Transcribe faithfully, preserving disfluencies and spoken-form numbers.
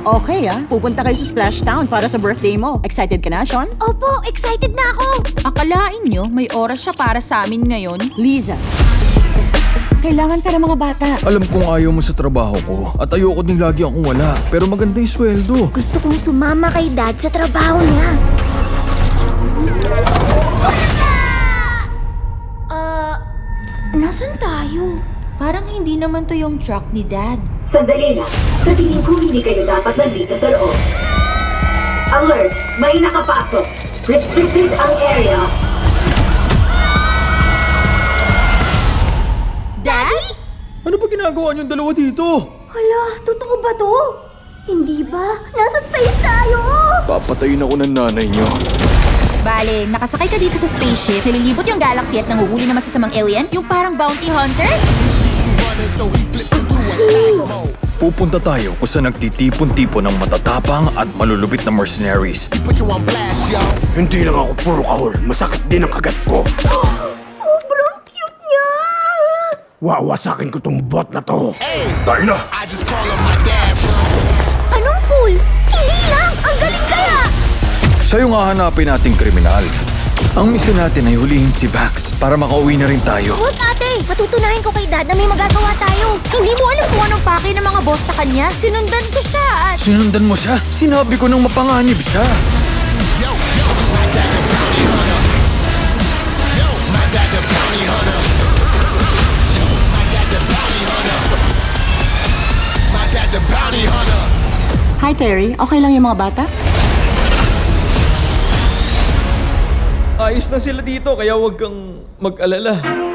Okay ah, pupunta kayo sa Splash Town para sa birthday mo. Excited ka na, Sean? Opo, excited na ako! Akalain nyo, may oras siya para sa amin ngayon? Liza, kailangan ka ng mga bata. Alam kong ayaw mo sa trabaho ko at ayoko ding lagi akong wala. Pero maganda yung sweldo. Gusto kong sumama kay Dad sa trabaho niya. Ah, nasan tayo? Parang hindi naman to yung truck ni Dad. Sandali lang. Sa tingin ko, hindi kayo dapat nandito sa loob. Alert! May nakapasok. Restricted ang area. Daddy? Ano ba ginagawa niyong dalawa dito? Hala, totoo ba to? Hindi ba? Nasa space tayo! Papatayin ako ng nanay niyo. Bale, nakasakay ka dito sa spaceship, nililibot yung galaxy at nanguhuli ng masasamang alien? Yung parang bounty hunter? Pupunta tayo kung saan nagtitipon-tipon ng matatapang at malulupit na mercenaries. Hindi lang ako puro kahol. Masakit din ang kagat ko. Sobrang cute niya! Wawasakin ko tong bot na to. Tayo na! Anong cool? Hindi lang! Ang galing kaya! Siya yung hahanapin nating kriminal. Ang misyon natin ay hulihin si Vax para makauwi na rin tayo. Huwag ate! Patutunahin ko kay Dad na may magagawa tayo. Hindi mo alam kung anong pake ng mga boss sa kanya. Sinundan ko siya at... Sinundan mo siya? Sinabi ko nang mapanganib siya. Hi Terry, okay lang yung mga bata? Ayos na sila dito kaya huwag kang mag-alala.